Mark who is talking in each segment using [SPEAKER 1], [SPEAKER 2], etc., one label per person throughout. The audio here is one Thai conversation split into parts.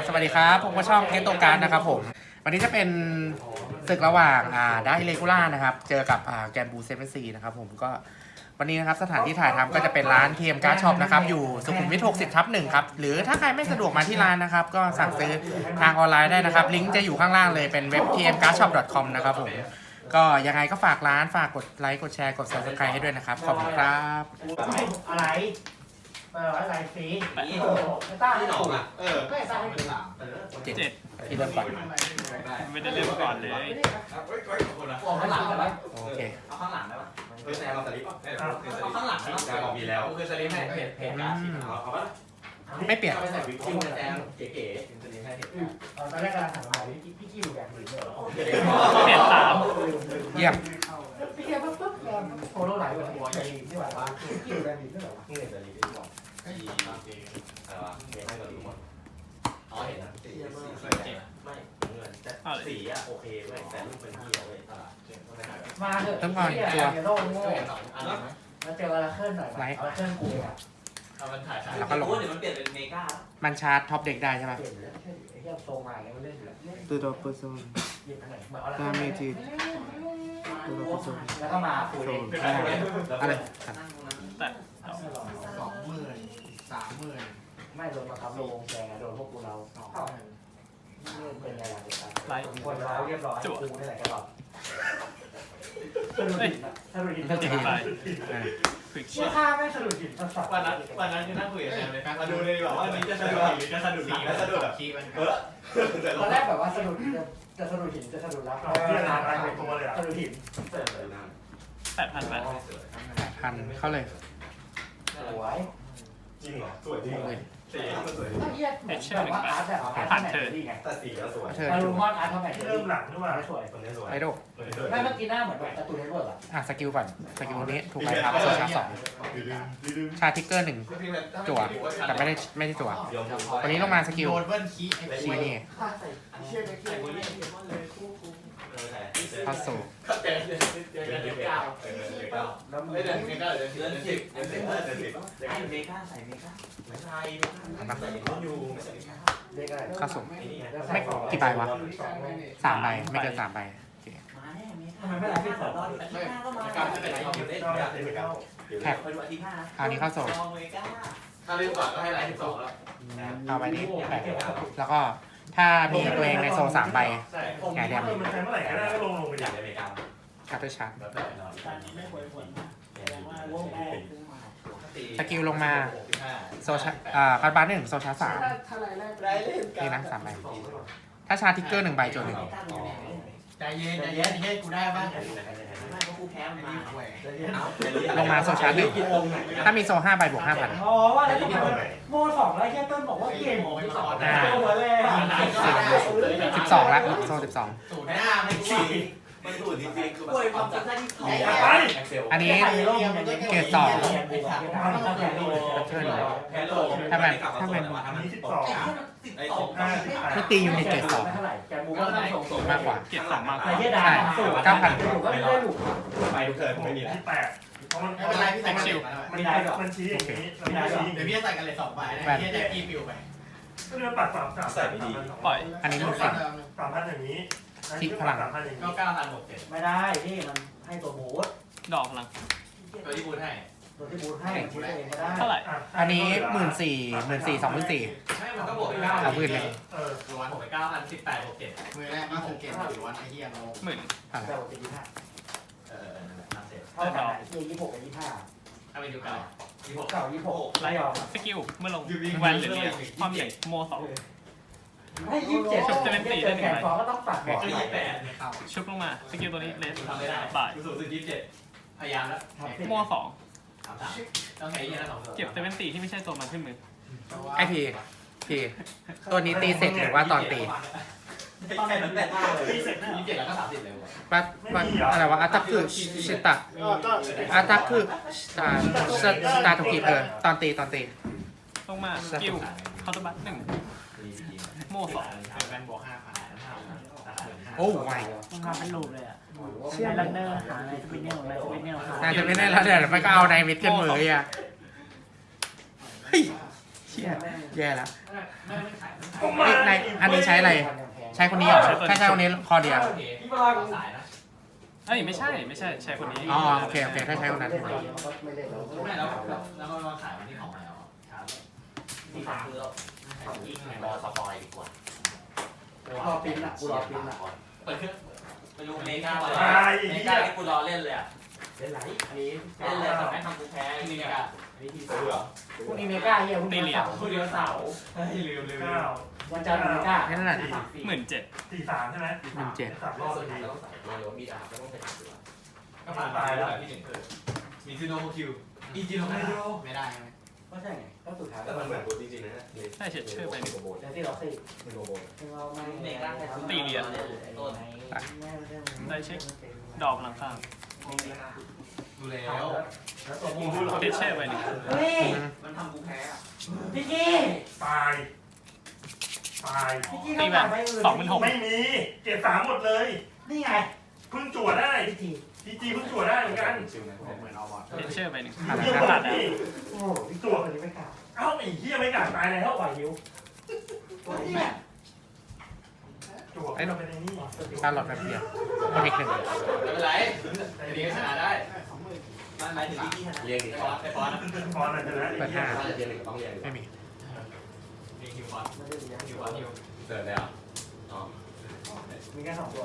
[SPEAKER 1] สวัสดีครับผมก็ช่องเกตโตการนะครับผมวันนี้จะเป็นศึกระหว่างได้เลกูล่านะครับเจอกับแกมบูเซเว่นซีนะครับผมก็วันนี้นะครับสถานที่ถ่ายทำก็จะเป็นร้านเทียมการ์ดช็อปนะครับอยู่สุขุมวิท 60/1 ครับหรือถ้าใครไม่สะดวกมาที่ร้านนะครับก็สั่งซื้อทางออนไลน์ได้นะครับลิงก์จะอยู่ข้างล่างเลยเป็นเว็บ tmcardshop.com นะครับผมก็ยังไงก็ฝากร้านฝากกดไลค์กดแชร์กด subscribe ให้ด้วยนะครับขอบคุณครับ
[SPEAKER 2] อะไรอะไรสีไม่ต้าที่หนองอ่ะไม่ต้าให้หลัง
[SPEAKER 1] 7ที่เริ่มก่อน
[SPEAKER 3] ไม่ได้เริ่มก่อนเลย
[SPEAKER 2] เอาข้างหลังได้ไหม
[SPEAKER 1] โอเค
[SPEAKER 2] เอาข้างหลังได้ไหมคือแซมเราสลิปเอาข้างหลังได้ไหมมีแล้วคือสลิปให้เพจการ์ดเอาปะ
[SPEAKER 1] ไม่เปลี่ยน
[SPEAKER 2] ไปใส่วิกกิ้งแซมเก๋ๆสลิปให้ตอนแรกกำลังถามหาพี่กิ้วแบบหรือ
[SPEAKER 3] เปลี่ยน3
[SPEAKER 1] เยี่ยม
[SPEAKER 2] พี่เกียวปุ๊บโคโรไหลแบบหัวใหญ่ที่แบบว่าพี่กิ้วแบบนี้แบบว่านี่สลิปที่บอกก็ดีมากเองแต่ว่าเห็นให้เราดูหมดอ๋อเห็นนะสีไม่เงินแต่สีอ่ะโอเคเว้ยแต่รูปเป็นที่เว้ยมาเถอะ
[SPEAKER 1] ต้องก่อนตัว
[SPEAKER 2] โล่งโง่แล้วเจออะไรเคลื่อนหน่อยอะไรเคลื่อนกูอ่ะเอามันถ่าย
[SPEAKER 1] แล้วก็ลง
[SPEAKER 2] เดี๋ยวมันเปลี่ยนเป็นเมกา
[SPEAKER 1] มันชาร์จท็อปเด็กได้ใช่ไหม
[SPEAKER 2] เปลี่ยนแล้วไอ้เหี้ยโซมาอย่างเงี้ยมันเล่นอยู่แล้ว
[SPEAKER 1] ตัวดอกเปอร์โซนตามเมจิตัวดอกเปอร์โซน
[SPEAKER 2] แล้วก็มาฟูเอง
[SPEAKER 1] อะไร
[SPEAKER 3] แต่
[SPEAKER 2] 20,000 30,000ไม่โดนมาทำโลงแกงโดนพวกกูเราเป็นไงล่ะ
[SPEAKER 3] ไลท์
[SPEAKER 2] คนเราเรียบร้อยกูนี่แหละแกบอกสรุปหิน
[SPEAKER 3] ก็จะไปควิก
[SPEAKER 2] เชื่อข้าไม่สรุปหินสัส
[SPEAKER 4] วันนั้นคือนั่งคุยกับแซมเลยมาดูเลยแบบว่านี้จะสะดุดหรือจะสะดุดสีแล้วสะดุดแบบขี้มัน
[SPEAKER 2] ตอนแรกแบบว่าสรุปจะสรุปหินจะสรุปแล้วที่ร้านอะไรตัวเลยสรุปหิน
[SPEAKER 3] 8,000
[SPEAKER 1] 8,000เข้าเลย
[SPEAKER 2] สวย
[SPEAKER 4] จริงเหรอสวยจริงสีมันสวย
[SPEAKER 2] แบบว่าอาร์ตแบบอาร์ตแมทดีไง
[SPEAKER 4] แต่สีก็สวย
[SPEAKER 2] มาดูมอนอาร์ตแมท
[SPEAKER 4] เริ่มหลังด้วยว่า
[SPEAKER 2] สวย
[SPEAKER 4] ตัวนี้สวย
[SPEAKER 1] ไอโด
[SPEAKER 2] ไม่เมื่อกี้หน้าเหมือนแบบการ์ตูนเน็ตเวิร์กอ่ะ
[SPEAKER 1] สกิลก่อนสกิลนี้ถูกไหมครับโซชาร์2ชาร์ทิกเกอร์1จั่วแต่ไม่ได้จั่ววันนี้ลงมาสกิลชีนี่เข้าสู่
[SPEAKER 2] แล้วมือเดือนเมกาเดือน10ไอ้เมกาใส่เมกาไม่ใช่ใส่ต้นยู
[SPEAKER 1] เข้าสู่ไม่กี่ใบวะ3 ใบไม่เกิน3 ใบ
[SPEAKER 2] ทำไมไม่รับที่2อาทิตย์หน้าก็มา
[SPEAKER 1] แท็กอันนี้เข้าสู่
[SPEAKER 4] ถ้าเล่นก่อนก็ให้ไลท์12แล้ว
[SPEAKER 1] เอาใบนี้แปะแล้วก็ถ้ามีตัวเองในโซ3 ใบไงเดียม
[SPEAKER 4] มันใช้เมื่อไหร่ก็ได้ก็ลงไปอย่างอเมริกา
[SPEAKER 1] คัตเตอร์ชาร์สกิลลงมาโซชาคาร์บาน1โซชาร์3นี่นะ3 ใบถ้าชาร์ทิกเกอร์1 ใบจน1
[SPEAKER 2] ใจเย็นกูได้บ้างไม่เพราะกูแพ้มันมา
[SPEAKER 1] ลงมาโซชาร์1ถ้ามีโซ5 ใบบวก 5,000
[SPEAKER 2] อ๋อว่าอะไรโม2แล้วแค่ต้นบอกว่าเก่งตัวแรก
[SPEAKER 1] 12แล้วโซ12
[SPEAKER 4] สูตรหน้าไม่ฉี่มันสูตรจริงๆคือแบบความจำได้ที่ถูก
[SPEAKER 1] อันนี้เกรด2ถ้ามันไม่ตียูนิตเกรด2มากกว่า
[SPEAKER 3] เกียร2มากกว่า
[SPEAKER 1] ใช่ 9,000
[SPEAKER 4] ไปทุกเทิร์นไม่มีแล้ว
[SPEAKER 2] เพราะมันไม่เป็นไรพี่ใส่ชิว
[SPEAKER 4] มันชี้อย่างนี้เดี๋ยวพี่จะใส่กันเลย2 ใบพี่จะพี่ปิวไปก็เดือนปัด3ใส่ไม่ดี
[SPEAKER 3] ปล่อย
[SPEAKER 1] อันนี้มัน
[SPEAKER 4] 3,000อย่างนี้
[SPEAKER 1] ที่พลัง
[SPEAKER 4] ก็9,000หมด
[SPEAKER 2] ไม่ได้นี่มันให้ตัวบูท
[SPEAKER 3] ดอกพลัง
[SPEAKER 4] ตัวที่บูทให้
[SPEAKER 2] ตัวที่บูทให้บูทเองก็ได้
[SPEAKER 3] เท่าไหร่
[SPEAKER 1] อันนี้14,000 24,000
[SPEAKER 4] ไม่มันก็บวกไป9,000
[SPEAKER 1] เอาพื้นเลย
[SPEAKER 4] ล้วนบวกไป9,000 18บวก7มือแรกมา6เกมหรือวันไอ้เหี้ยเรา
[SPEAKER 3] 10,000
[SPEAKER 2] แต่บวก25เท่ากัน26กับ25
[SPEAKER 4] ถ้าไปดูเก่า
[SPEAKER 2] 26ไล่ออก
[SPEAKER 3] สกิลเมื่อลงแวนหรือเรียกความใหญ่โม2
[SPEAKER 2] ให้27ชุบจะเป็น4ได้1 ใบก็ต้องปัดบอก
[SPEAKER 3] ชุบลงมาสกิลตัวนี้เลสบ่าย
[SPEAKER 4] สูงสุด27พยายามแล้ว
[SPEAKER 3] โม2
[SPEAKER 4] ต้องใช้ยี่ห้อ2
[SPEAKER 3] เก็บจะเป็น4ที่ไม่ใช่ตัวมันขึ้นมือ
[SPEAKER 1] ไอพีตัวนี้ตีเสร็จหรือว่าตอนตี
[SPEAKER 4] ตอนไหนมันแบบตีเสร็จ27แล้วก็30เลย
[SPEAKER 1] ว่าอะไรวะอัตตาคือชิตะอัตตาคือสตาร์ทุกิตอนตี
[SPEAKER 3] ลงมาสกิลคาร์ตบัต1โม2
[SPEAKER 4] แวนบวก 5,000
[SPEAKER 1] โอ้ย
[SPEAKER 2] มาเป็นลูปเลยอ่ะเชื่อลันเนอร์หาอะไรจะเป็นเนี่ย
[SPEAKER 1] น่าจะไม่ได้แล้วเดี๋ยวมันก็เอาในมิดกันมืออ่ะเฮ้ยเชี่ยแย่แล้วในอันนี้ใช้อะไร ใช้คนนี้เหรอแค่ใช้คนนี้คอเดียว
[SPEAKER 2] พี่ปลาของสายนะ
[SPEAKER 3] เอ้ยไม่ใช่ใช่คนนี้
[SPEAKER 1] อ๋อโอเคถ้าใช้คนนั้น
[SPEAKER 2] ไม่แล้วก็มาขายวันที่ของใหม่เอาครับที่ฝากคือเรารอสปอยดีกว่าร
[SPEAKER 5] อปิ้นอ่ะกูรอปิ้นอ่ะ
[SPEAKER 2] เปิดเครื่องไปดูเมกาเลยเมกาที่กูรอเล่นเลยอ่ะ
[SPEAKER 5] เล่นไหนอันนี้
[SPEAKER 2] เล่นเลยแต่ไม่ทำกูแพ้จริงๆอ่ะ
[SPEAKER 5] วิธีซื้อเหรอพรุ่งนี้เมกาเฮียพรุ่งนี้เสาร์
[SPEAKER 2] คู่เดียวเสาร์ลืม
[SPEAKER 5] วันจันทร์เมกา
[SPEAKER 1] แค่นั้นแหละ
[SPEAKER 3] 17,000
[SPEAKER 4] 43ใช่ไหม
[SPEAKER 1] 17
[SPEAKER 4] 3 รอบ
[SPEAKER 2] สุด
[SPEAKER 4] พอ
[SPEAKER 2] ท้า
[SPEAKER 4] ดี
[SPEAKER 2] ยต้องใส่เลยว่ามีดาบก็ต้องใส่ตัวก็ผ่านตายแล้วที่หนึ่งคือมีซิโนคิวอีจิโนไม่ได้ไหม
[SPEAKER 5] ก็ใช่ไงก็สุดท้าย
[SPEAKER 6] แต่มันเหมือนตัวจริงๆนะ
[SPEAKER 3] ได้เฉดชื่อไปหนึ่ง
[SPEAKER 5] แต่ที่เราสิ
[SPEAKER 6] เป็นโรโบท
[SPEAKER 5] เราไม่
[SPEAKER 2] เมกาแค่
[SPEAKER 3] ตีเหรียญ
[SPEAKER 2] ต้น
[SPEAKER 3] ได้เช็คดอกพลังข้าง
[SPEAKER 2] ดูแล้ว
[SPEAKER 5] แล้วตัวนี้
[SPEAKER 3] เทเช่ไปหนึ่ง
[SPEAKER 5] เฮ้ย
[SPEAKER 2] มันทำกูแพ้อ่ะ
[SPEAKER 5] พี่กี้
[SPEAKER 4] ตาย
[SPEAKER 5] พี่กี้
[SPEAKER 3] ตี
[SPEAKER 5] ต้อง
[SPEAKER 3] แบ
[SPEAKER 5] กลั
[SPEAKER 3] บบ
[SPEAKER 5] ไปอื่น
[SPEAKER 3] 26,000
[SPEAKER 4] ไม่มี เก็บ3หมดเลย
[SPEAKER 5] นี่ไง
[SPEAKER 4] เพิ่งจั่วได้
[SPEAKER 5] พี่จี
[SPEAKER 4] พีจีเพิ่งจั่วได้เหมือนกัน
[SPEAKER 6] ชิวนะ
[SPEAKER 2] เหมือนเอาบอล
[SPEAKER 3] เทเช่ไปหนึ่ง
[SPEAKER 4] เฮียหมดดิ
[SPEAKER 5] โอ้พี่ตัวคนนี้ไม่กล้า
[SPEAKER 4] เอ้าไอ้เฮียไม่กล้าตายแล้ว
[SPEAKER 5] ปล่อยหิวตัวนี้เนี่ย
[SPEAKER 4] จั่วเป็นไอ้นี่
[SPEAKER 1] ตาหลอดแบบเดียวเทคหนึ่ง
[SPEAKER 2] ไม่เป็นไรเลี้ยงชนะได้มันหมายถึงที่ชนะ
[SPEAKER 6] เรียงอีก
[SPEAKER 2] ไอ้ฟอน
[SPEAKER 4] พอนะชนะ
[SPEAKER 1] เปิดห้า
[SPEAKER 6] ถ้าจะเรียงหนึ่งก็ต้องเรียง
[SPEAKER 1] ไม่มี
[SPEAKER 2] เลี้ยงคิวฟอน
[SPEAKER 5] ไม่ได้เลี้ยง
[SPEAKER 2] คิวฟอนคิว
[SPEAKER 6] เสิร์ฟเลยเหรออ๋อ
[SPEAKER 5] มีแค่2ตัว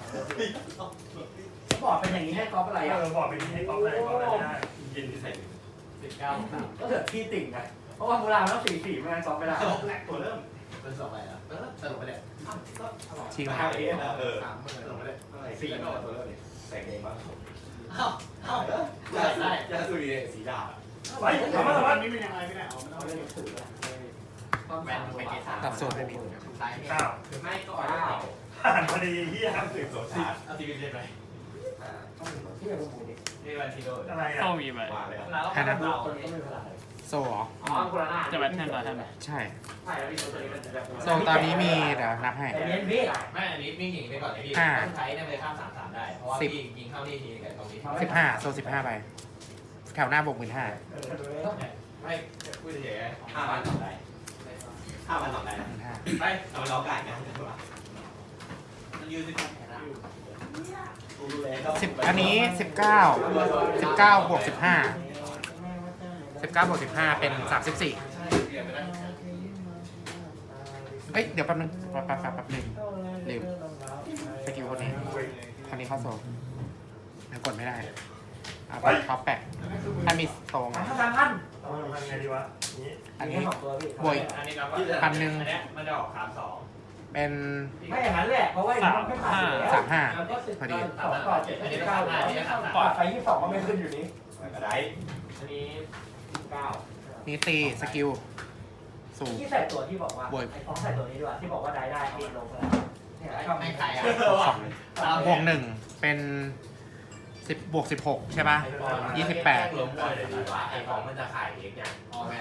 [SPEAKER 5] บอร์ดเป็นอย่างนี้ให้กอล์ฟอะไรอ่ะ
[SPEAKER 4] บอกไปที่ให้ก๊อฟเลยก๊อฟอะไรได้ยินที่ใส่
[SPEAKER 2] 19
[SPEAKER 5] ก็เกิดที่ติ่งไงเพราะว่ามูลามันต้อง4-4ไม่งั้นกอล์ฟไม่ได้
[SPEAKER 4] ตัวเริ่ม
[SPEAKER 2] เป็น2อะไรอ่ะสรุปไปเลย
[SPEAKER 1] ชิง
[SPEAKER 5] ใช่เอ๊ะ
[SPEAKER 6] เออ
[SPEAKER 2] สรุปไปเลย
[SPEAKER 6] สี่ก็ตัวเริ่มนี่ใส่เองบ้าง
[SPEAKER 2] เอ้าได้
[SPEAKER 6] จะสุริสีดาบ
[SPEAKER 4] ไปทำมา
[SPEAKER 5] นี่เป็นยังไงไม่ได้เอาไม่ได้ถือ
[SPEAKER 2] แบนไปเกต3
[SPEAKER 1] ตัดโซนไม่มี
[SPEAKER 2] ซ้ายเนี่ย
[SPEAKER 4] 9
[SPEAKER 2] หรือไม่ก็ออก
[SPEAKER 4] ผ่านพอดีเฮีย
[SPEAKER 6] สืบสวนชาร์
[SPEAKER 2] เอาทีวีเล่นไป
[SPEAKER 5] ที่เป็นคนดี
[SPEAKER 2] นี่วันทีโด
[SPEAKER 4] อะไร
[SPEAKER 3] โซ่
[SPEAKER 4] อ่ะ
[SPEAKER 3] มีไป
[SPEAKER 6] วางเลย
[SPEAKER 2] แล้วก็เรา
[SPEAKER 5] คนนี้ก็ไม่เป็นไร
[SPEAKER 1] โซเหรอ
[SPEAKER 5] อ๋อคนละหน้า
[SPEAKER 3] จะแบทแทนเหรอท่าน
[SPEAKER 1] ใช่
[SPEAKER 5] ใช่แล้วพี่ตัวนี้มันจะแบบ
[SPEAKER 1] โซตอนนี้มีเดี๋ยวนับให้
[SPEAKER 5] แต่เลี้ยงพี่
[SPEAKER 2] ไม่อันนี้มิ่งหญิงไปก่อนไอ้พี่ต้องใช้เนี่ยไปข้าม3-3ได้ เพราะว่าพี่ยิงเข้านี่ทีกับตรงนี้
[SPEAKER 1] 15โซ15ไปแถวหน้าบวก15,000
[SPEAKER 2] ไม่พูดเฉย
[SPEAKER 6] 5,000ต่อได้5,000ต่อได้
[SPEAKER 2] ๆไป
[SPEAKER 6] เอาไปล้อไก่นะ
[SPEAKER 2] มันยืนสิบแค่นั้น
[SPEAKER 1] 10อันนี้19บวก15 19บวก15เป็น34
[SPEAKER 2] เรียนไปได้
[SPEAKER 1] เอ้ยเดี๋ยวแป๊บนึงแป๊บนึงลืมสกิลคนนี้คนนี้เข้าโซยังกดไม่ได้เอาไปท็อปแปะถ้ามีโซไง
[SPEAKER 5] 3,000
[SPEAKER 4] เอาทำไงดีวะนี้
[SPEAKER 1] อันนี้
[SPEAKER 5] 2ตัวพี่
[SPEAKER 1] บวก
[SPEAKER 2] อันนี้นับว่า
[SPEAKER 1] พันหนึ่ง
[SPEAKER 2] อันเนี้ยมันจะออก3-2
[SPEAKER 1] เป็น
[SPEAKER 5] ไม่อย่างนั้นแหละเพราะว่ามันไม่ผ่านแล้ว
[SPEAKER 1] 35
[SPEAKER 5] มันก็10
[SPEAKER 1] พอดี
[SPEAKER 5] 2ต่อ7
[SPEAKER 2] อันนี้
[SPEAKER 5] 9
[SPEAKER 2] ก็3-5อันนี้ก็3-3
[SPEAKER 5] ปอดไป22ก็ไม่ขึ้นอยู่นี้
[SPEAKER 6] ก็ได้
[SPEAKER 5] อันนี้9
[SPEAKER 1] นี่ตีสกิลสูง
[SPEAKER 5] ที่ใส่ตัวที่บอกว่าไอ้ของใส่ตัวนี้ด้วยที่บอกว่าได้ติดลงแล้วเนี่ยชอบ
[SPEAKER 2] ไม่ใครอ่ะ
[SPEAKER 1] บวก1เป็น10บวก16ใช่ป่ะ 28
[SPEAKER 2] ล้มบ่อยเลยดีกว่าไอ้ของมันจะขายเองเนี่ยอ๋อแม่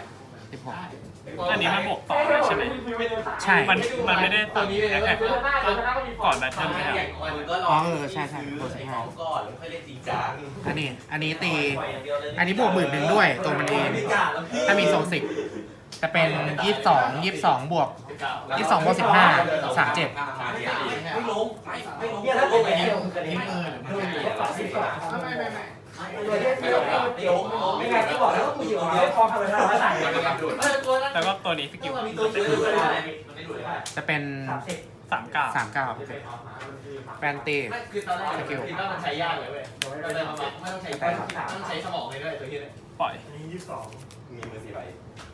[SPEAKER 1] 16
[SPEAKER 3] อันนี้มันบวกต่อใช่ไหม
[SPEAKER 1] ใช่
[SPEAKER 3] มันไม่ได้ตัดแอคแท็กก่อนแบทเทิลไม่ได้
[SPEAKER 2] มันก็รอซื้อไอ้ของก่อนแล้วค่อยเล่นจริงจัง
[SPEAKER 1] อันนี้ตี อันนี้บวก11,000ด้วยตัวมันเอง ถ้ามีโซ10จะเป็น22บวก22บวก15 37
[SPEAKER 2] ไม่ล้มไม่ล้ม
[SPEAKER 5] เนี่ยถ้าเป็นแบบเดียวกันนี้ก็ตัดสิบกว่าตัวที่ไม่ล้มไม่ไงที่บอกแล้วว่ากูอยู่ไม่พอทำเวลามาใส่
[SPEAKER 3] แล้วก็ตัวนี้สกิล
[SPEAKER 2] มีตัวช่วยด้วยมันไม่ดูได้
[SPEAKER 1] จะเป็น
[SPEAKER 5] 30
[SPEAKER 1] 39แฟนตี
[SPEAKER 2] ไม่คือตอนแรกคิดว่ามันใช้ยากเลยเว้ยไม่ต้องใช้ต้องใช้สมองเลยด้วยตัวที่เลย
[SPEAKER 3] ปล่อย
[SPEAKER 4] อันนี้22
[SPEAKER 6] มีมือ4ใบ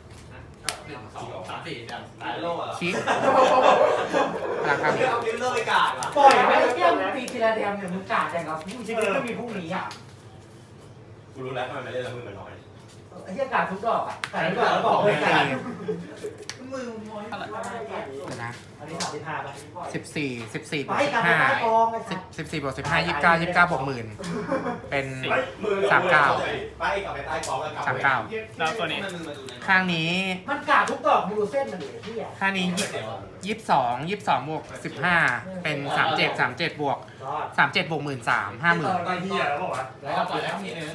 [SPEAKER 2] 1 2 3 4จัง
[SPEAKER 6] ตายโลกอ่ะ
[SPEAKER 1] คิกพลังข้าง
[SPEAKER 2] เอาลิ้นเลิกไปกาดว่ะ
[SPEAKER 5] ปล่อยไม่เที่ยมตีทีละเดียมเนี่ยมึงกาดอย่างกับมึงชีวิตก็มีพรุ่งนี้อ่ะ
[SPEAKER 6] กูรู้แล้วทำไมมันเล่นแล้วมือมันน้อย
[SPEAKER 5] ไอ้เที่ยกาดทุกดอกอ่ะแต่ทุกดอกแล้วบอกเลยกาด
[SPEAKER 2] มือมวย
[SPEAKER 1] เดี๋ยวนะ
[SPEAKER 5] อันนี้35ป่ะ
[SPEAKER 1] 14บว
[SPEAKER 5] ไป
[SPEAKER 1] ก
[SPEAKER 5] กลับไปใต้กองไอ้สัส
[SPEAKER 1] 15 14บวก15 29บวก10,000เป็น
[SPEAKER 6] มือ
[SPEAKER 1] 39
[SPEAKER 6] ไปกลับไปใต้กองแล้วกลับ
[SPEAKER 1] 39
[SPEAKER 3] แล้วตัวนี้
[SPEAKER 1] ข้างนี้
[SPEAKER 5] มันกาดทุกดอกมึงดูเส้นมันดิที่อ่ะ
[SPEAKER 1] ข้างนี้22บวก15เป็น37บวก
[SPEAKER 5] รอด
[SPEAKER 1] 37บวก13 50,000
[SPEAKER 4] ไปเฮียแล้วบอกว่า
[SPEAKER 2] แล้วปล่อยแล้วทีนึง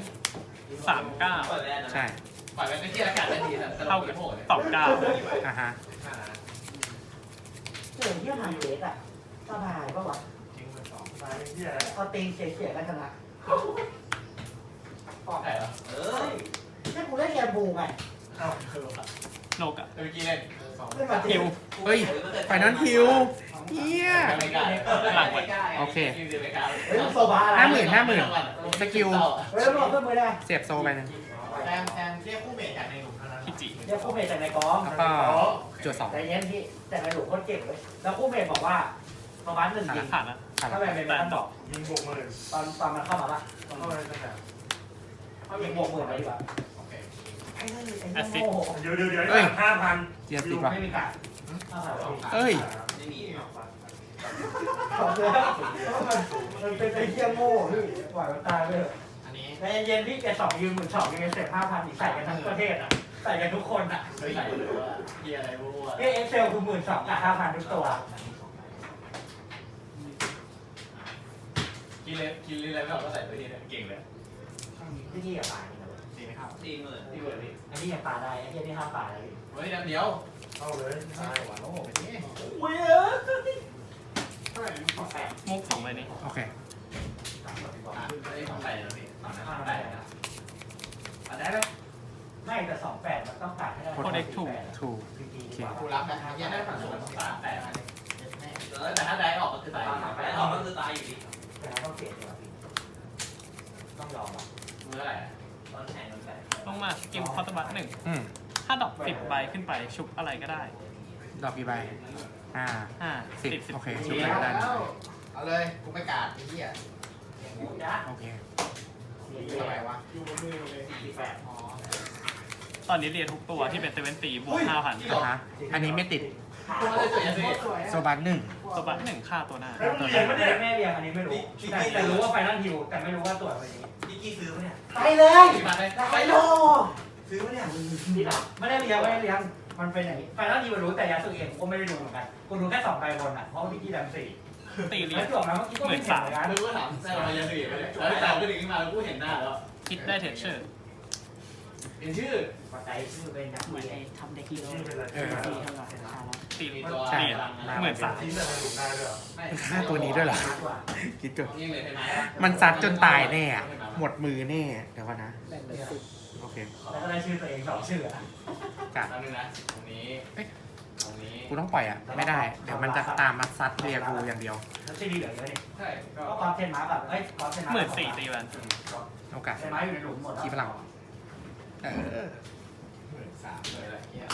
[SPEAKER 3] 39
[SPEAKER 2] เปิดแล้วนะ
[SPEAKER 1] ใช่
[SPEAKER 2] ปล่อยไปเป็นที่อากาศทันทีแต่
[SPEAKER 3] เท่ากับต่อ9
[SPEAKER 1] อ่ะฮะ
[SPEAKER 5] เผ่านเกตอ่ะสบายปะวะ
[SPEAKER 4] จริงเป็นสองตายเป็นที่อะไร
[SPEAKER 5] เอาตีเฉียดๆแล้วชนะ
[SPEAKER 2] ปอกไก่เหรอ
[SPEAKER 5] เอ้ยถ้ากูได้แกมบูไง
[SPEAKER 4] เอ้า
[SPEAKER 3] โลกอะ
[SPEAKER 2] เมื่อกี้เล่น
[SPEAKER 5] ไม่มา
[SPEAKER 3] ฮิว
[SPEAKER 1] เฮ้ยไฟนั้นฮิวเฮีย
[SPEAKER 2] ไม่กล้า
[SPEAKER 1] โอเค
[SPEAKER 5] เฮ้ยโซบาอะไร
[SPEAKER 1] สกิล
[SPEAKER 5] เฮ้ยบอกเพิ่มมือได้
[SPEAKER 1] เสียบโซไปหนึง
[SPEAKER 2] แซมเรียกคู่เมทจากในหลุมเท่านั้น
[SPEAKER 3] พิจิ
[SPEAKER 5] เรียกคู่เมทจากในกอง
[SPEAKER 1] แล้วก็จุดสอง
[SPEAKER 5] ใจเย็นพี่แต่ในหลวงโคตรเก่งเลยแล้วคู่เมทบอกว่าประมาณ1ยิง
[SPEAKER 3] ผ่านนะ
[SPEAKER 5] ถ้าแบบเป็นมันบอก
[SPEAKER 4] ยิงบวกหมื่น
[SPEAKER 5] ตอนมันเข้ามาปะ
[SPEAKER 4] เข้าไปตั้งแต่
[SPEAKER 5] เขายิงบวกหมื่นไปดีกว่า
[SPEAKER 2] โอเค
[SPEAKER 5] ไอ้นี่ไอ้นี่โง่
[SPEAKER 4] เดี๋ยว5,000
[SPEAKER 1] เจียติดว่ะ
[SPEAKER 5] ไม่มีการ
[SPEAKER 1] เอ้ย
[SPEAKER 2] ไม่มี
[SPEAKER 5] ของเลยมันเป็นไอ้เหี้ยโง่พี่ปล่อยมันตายไปเถอะ
[SPEAKER 2] อันนี้
[SPEAKER 5] ใจเย็นพี่แก2ยืม12ยังไงเสร็จ5,000อีกใส่กันทั้งประเทศอ่ะใส่กันทุกคนอ่ะ
[SPEAKER 2] เฮ้ยใส่เลยว่าเฮียอะไรมั่ว
[SPEAKER 5] เอ็กเซลคือ12,000กับ5,000ทุกตัว
[SPEAKER 2] กินเลยไม่ออกก็ใส่ตัวนี้เลยเก่งเลย
[SPEAKER 5] ที่นี่กับปลานี่นะ
[SPEAKER 2] ดีไหมครับดีมือดีมือพี่
[SPEAKER 5] อันนี้ยังปลาได้ไอ้เหี้ยนี่ห้ามปลาเลย
[SPEAKER 2] เฮ้ยเดี๋ยว
[SPEAKER 4] เข้าเลย
[SPEAKER 2] ใช่หวานโอ้โหนี่
[SPEAKER 5] เว้ย
[SPEAKER 3] มุก2ใบนี้
[SPEAKER 1] โอเค
[SPEAKER 2] ไม่ได้ทำไรนะพี่ตอนนั้นทำไรนะอันได้ไหม
[SPEAKER 5] ไม่แต่28มันต้องตัดให้ได้
[SPEAKER 1] ถูก
[SPEAKER 5] จริงๆ
[SPEAKER 1] โอ
[SPEAKER 5] ดี
[SPEAKER 1] เค
[SPEAKER 5] กว่า
[SPEAKER 2] กูรับนะยังได้ผ่านส่วน3แต่แต่ถ้าได้ออกก็คือตายได้ออกก็คือตายอยู่ดี
[SPEAKER 5] แต่ต้องเสียดีกว่าพี่ต้องยอมอ่ะ
[SPEAKER 2] มืออะไรตอนแข่งกันแต่
[SPEAKER 3] ต้องมาสกิลคอร์ตบัต1
[SPEAKER 1] อืม
[SPEAKER 3] ถ้าดอก10ใบขึ้นไปชุบอะไรก็ได้
[SPEAKER 1] ดอกกี่ใบ
[SPEAKER 3] 5
[SPEAKER 1] 10 โอเค
[SPEAKER 3] 10
[SPEAKER 1] ชุบเลยก็ได้
[SPEAKER 2] เอาเลยกูไม่กาดไอ้เหี้ย
[SPEAKER 5] จ้า
[SPEAKER 1] โอเค
[SPEAKER 2] ทำไมวะ
[SPEAKER 5] อยู่บนมือเลย48
[SPEAKER 2] อ๋อ
[SPEAKER 3] ตอนนี้เรียนทุกตัวที่เป็นเซเว่นตีบวก 5,000
[SPEAKER 1] นะฮะอันนี้ไม่ติด
[SPEAKER 2] กูไม่ได้สวยยังไง
[SPEAKER 1] โซบันหนึ่ง
[SPEAKER 3] ตัวบัต1ค่าตัวหน้า
[SPEAKER 4] แล้วมึงเรียนไม่ได้
[SPEAKER 5] แม่เรียงอันนี้ไม่รู้แต่รู้ว่าไฟนั่นฮิวแต่ไม่รู้ว่าตรวจอะไรนี้
[SPEAKER 2] พี่กี้ซื้อไหมเนี่ย
[SPEAKER 5] ไปเลย
[SPEAKER 2] กี่บาทเลย
[SPEAKER 5] ไปโล
[SPEAKER 2] ซื้อไหมเนี่ย
[SPEAKER 5] นี่หรอไม่ได้เรียงมันเป็นอย่างนี้ไฟนั่นฮิวรู้แต่ยาสุเองกูก็ไม่ได้ดูเหมือนกันกูดูแค่2ใบบนอ่ะเพราะพี่กี้ดำ4
[SPEAKER 3] ตีเรีย
[SPEAKER 5] แล้
[SPEAKER 3] น
[SPEAKER 5] วจบแล้วเมื่อกี้ก็ไม่เห็นเหมือนกัน
[SPEAKER 2] ไม่รู้ว่าถามใช่ไหมยังสิแล้วแต่ก็ดึงขึ้นมาแล้วกูเห็นหน้าแล้ว
[SPEAKER 3] คิดได้เทรดเชอร์
[SPEAKER 2] เห็นชื่อ
[SPEAKER 5] ปัจจัยชื่อเป็นนัก
[SPEAKER 7] เหมื
[SPEAKER 5] เรี
[SPEAKER 7] อน
[SPEAKER 5] ย
[SPEAKER 7] ไอ้
[SPEAKER 5] น
[SPEAKER 7] ทำเด็กฮีโร่
[SPEAKER 4] ชื่อเป็นอะไร
[SPEAKER 7] ตีเท่าไหร่ราคาแล้ว
[SPEAKER 3] ตี
[SPEAKER 2] มี
[SPEAKER 3] เรียน
[SPEAKER 2] ตัว
[SPEAKER 3] 10,000
[SPEAKER 4] ทิ้งแต่ในหลุมได้ด้วย
[SPEAKER 1] ค่าตัวนี้ด้วยเหรอ
[SPEAKER 5] มากกว่า
[SPEAKER 1] คิดก่อน
[SPEAKER 2] นี่เลยใช่ไหม
[SPEAKER 1] มันซัดจนตายแน่อะหมดมือแน่ เดี๋ยวก่อนนะ
[SPEAKER 7] แบ่งเป็น10
[SPEAKER 1] โอเค
[SPEAKER 5] แล้วก็ได้ชื่อตัวเอง2ชื่ออ่ะ
[SPEAKER 1] กัด
[SPEAKER 2] ตอนนึงนะตรงนี้ตรงนี้
[SPEAKER 1] กูต้องปล่อยอ่ะ ไม่ได้ เดี๋ยวมันจะตามมาซัดเรียกูอย่างเดียว
[SPEAKER 5] แล้วชื่อดีเหลือเยอะนี่
[SPEAKER 2] ใช่ก็
[SPEAKER 5] ก็ความเทนมาแบบเอ้ยความเทนมา
[SPEAKER 3] 14,000ตีแวน
[SPEAKER 1] โอกาส
[SPEAKER 5] เทนมาอยู่ในหลุมหมดแล้ว
[SPEAKER 1] ขี้พลังเออ
[SPEAKER 2] 13เลยแหละเฮีย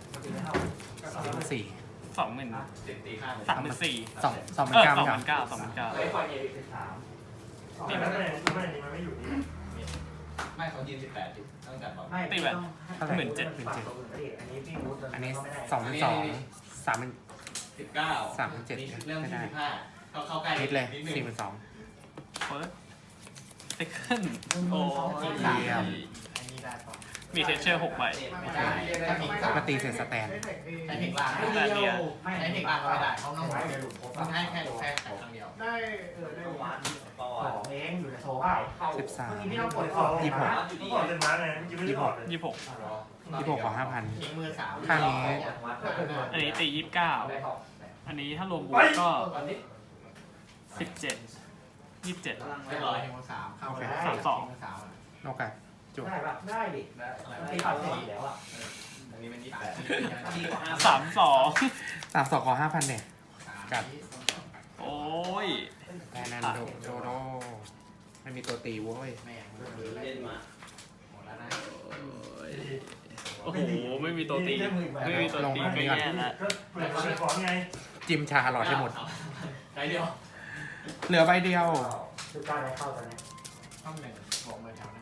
[SPEAKER 1] สี่
[SPEAKER 3] 20,000
[SPEAKER 2] 10ตีข้างเลย
[SPEAKER 3] 34,000
[SPEAKER 1] สองหมื่นเก้าไม่ใช่
[SPEAKER 3] 29,000
[SPEAKER 5] ไอ้คนเอริก13
[SPEAKER 4] นี่มันไม่นี่มันไม่อยู่นี่
[SPEAKER 2] ไม่เขายืน18ดิต้องจัดบอก
[SPEAKER 5] ไม่พี่ต้อง
[SPEAKER 1] เท่าไหร่
[SPEAKER 3] 17,000
[SPEAKER 5] อันนี้พี่รู้
[SPEAKER 1] อันนี้
[SPEAKER 5] ไม่ได้
[SPEAKER 1] 2,200 3,000
[SPEAKER 2] 19
[SPEAKER 1] 37
[SPEAKER 2] เรื่องที่15เข้าใกล้
[SPEAKER 1] นิดเลย
[SPEAKER 2] นิดนึง
[SPEAKER 1] 42,000
[SPEAKER 3] เฟิร์สเซคันด์โอ้
[SPEAKER 1] เยี่ยม
[SPEAKER 2] อันนี้ได้ป่ะ
[SPEAKER 3] มีเทรดเชอร์6ใบ
[SPEAKER 2] ไม่ได้ถ้าทิ้ง3
[SPEAKER 1] มาตีเสร็จสแตน
[SPEAKER 2] ใช้เทคล่าง
[SPEAKER 5] ไม่เดียวไม่
[SPEAKER 2] ใช้เทคล่างก็ไม่ได้เขาต้องให้หลุดต้องให้แค่ครั้งเดียว
[SPEAKER 5] ได้ได้วันของเองอยู่ในโซ่เปล่าเมื่อกี้พี่ต้องกด
[SPEAKER 4] ขอเล่นม้าไงเมื่อกี้ไม่ได้ถอดเลย
[SPEAKER 3] 26
[SPEAKER 1] 26ขอ5,000
[SPEAKER 2] ทิ้งมือ3
[SPEAKER 1] ข้างนี้
[SPEAKER 3] อันนี้ตี 29 อันนี้ถ้ารวมบวกก็ 17 27
[SPEAKER 2] เรียบร้อยทิ้งมือ3เข้าไป
[SPEAKER 1] โอกาสจุด
[SPEAKER 5] ได้ปะได้ดิมันตีปัดเสร็จแล้วอ่ะ
[SPEAKER 2] อันนี้เป็น28ที่
[SPEAKER 3] 32
[SPEAKER 1] 32ขอ5,000เนี่ย กัด
[SPEAKER 3] โอ้ย
[SPEAKER 1] แอนนันโดโดโดไม่มีตัวตีเว้ย
[SPEAKER 2] แม่งเล่นมาหมดแล้วนะ
[SPEAKER 3] โอ้โห ไม่มีตัวตี ไม่มีตัวตีก็แย่แล้ว
[SPEAKER 4] ก็เปิดของไง
[SPEAKER 1] จิมชาหลอดให้หมด
[SPEAKER 2] ใช้เดียว
[SPEAKER 1] เหลือใบเดียว
[SPEAKER 5] คือการได้เข้าตอนนี้
[SPEAKER 2] ต้องหนึ่งบอกมือแถวหน้า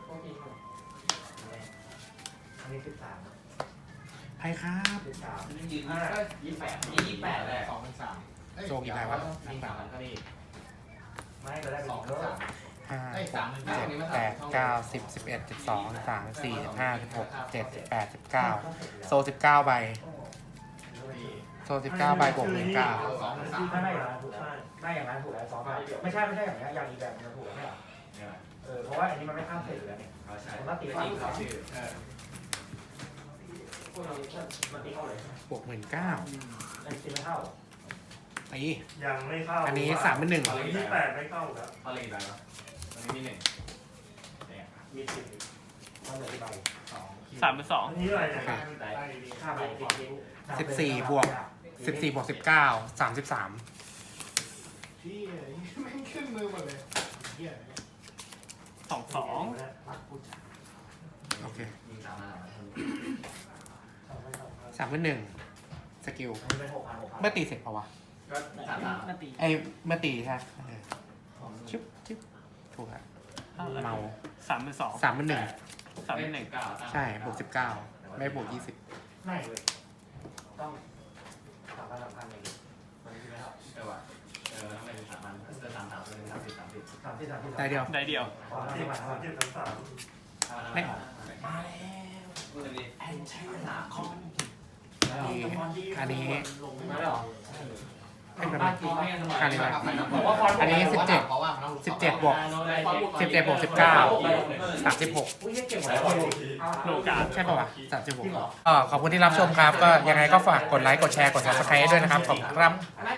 [SPEAKER 5] อันนี้13
[SPEAKER 1] ไพ่ครับ
[SPEAKER 5] 13
[SPEAKER 2] ยืน28เลย2 3
[SPEAKER 1] โซกี่ใบวะ
[SPEAKER 2] มี3ก็นี่
[SPEAKER 5] ไม่ก็ได้เป็น
[SPEAKER 2] 2
[SPEAKER 5] เยอะ
[SPEAKER 2] 3
[SPEAKER 1] 5 6 7 8 9 10 11 12 13 14 15 16 17 18 19โซ19ใบโซ19ใบบวก19
[SPEAKER 5] ถ้าได้อย่างนั้นถูกแล้วได้อย่างนั้นถูกแล้วซ้อมไม่ใช่อย่างนี้อย่างอีกแบบนึงถูกแล้วไม่หรอเพราะว่าอันนี้มันไม่ข้ามเสร็จอยู่แล้วเนี่ย
[SPEAKER 2] เขาใช้
[SPEAKER 5] มันก็ตี
[SPEAKER 2] จ
[SPEAKER 5] เข้า
[SPEAKER 2] ริงเขาชื่อ
[SPEAKER 5] มันตีเข้าเลย
[SPEAKER 1] บวก19,000
[SPEAKER 5] อันนี้ตีไม่เข้า
[SPEAKER 1] ตี
[SPEAKER 4] ยังไม่เข้า
[SPEAKER 1] อันนี้ 31,000
[SPEAKER 4] อันนี้8ไม่เข้าแล้ว
[SPEAKER 2] เอาเลยได้ปะอันนี้มีหนึ่ง
[SPEAKER 4] มีสิบ
[SPEAKER 5] มันเหลือกี่ใบ
[SPEAKER 3] 3 เป็น
[SPEAKER 4] อันนี้อะไรเนี่ย
[SPEAKER 5] 5 ใบติดทิ้ง
[SPEAKER 1] 14 บวก 14 บวก 19 33
[SPEAKER 5] พี่แม่งขึ้นมือหมดเลยเหี้ย
[SPEAKER 3] 2 2
[SPEAKER 5] รักกูจัด
[SPEAKER 1] โอเค
[SPEAKER 2] ยิงตามมา
[SPEAKER 1] 31,000 สกิล
[SPEAKER 5] อันนี้เป็น6,000
[SPEAKER 1] เมื่อตีเสร็จเปล่าวะ
[SPEAKER 2] ก็3
[SPEAKER 3] นาที
[SPEAKER 1] ไอ้เมื่อตีใช่ไหมชิบชิบถูกครับเมา
[SPEAKER 3] 3 เป็น 2
[SPEAKER 1] 31,000
[SPEAKER 3] 3 เป็น 1
[SPEAKER 1] ใช่ บวก 19 ไม่บวก 20
[SPEAKER 5] ไม่เลยต้อง3,000เลย
[SPEAKER 2] มันไม่เข้าเออว่ะต้องเป็น3 มันจะ3 เป็น30
[SPEAKER 1] ได้เดียว
[SPEAKER 3] ได้เดียว
[SPEAKER 4] สามสิบสามสิบสาม
[SPEAKER 2] มาแล้วมือนี่แอนใช้เวลาคอม
[SPEAKER 1] อันนี้
[SPEAKER 5] มาแล้วเหรอ
[SPEAKER 1] ให้มัน
[SPEAKER 5] บ้านจริงไม่งั้น
[SPEAKER 1] คาริบา
[SPEAKER 5] บอกว่าฟอนต์
[SPEAKER 1] อันนี้17 บวก 17 บวก 19 36
[SPEAKER 5] อุ้ยเก่งหมดแล้ว
[SPEAKER 3] โลกา
[SPEAKER 1] ใช่ป่าวะ36ขอบคุณที่รับชมครับ ก็ยังไงก็ฝากกดไลค์ กดแชร์ กด subscribe ด้วยนะครับ ขอบคุณครับ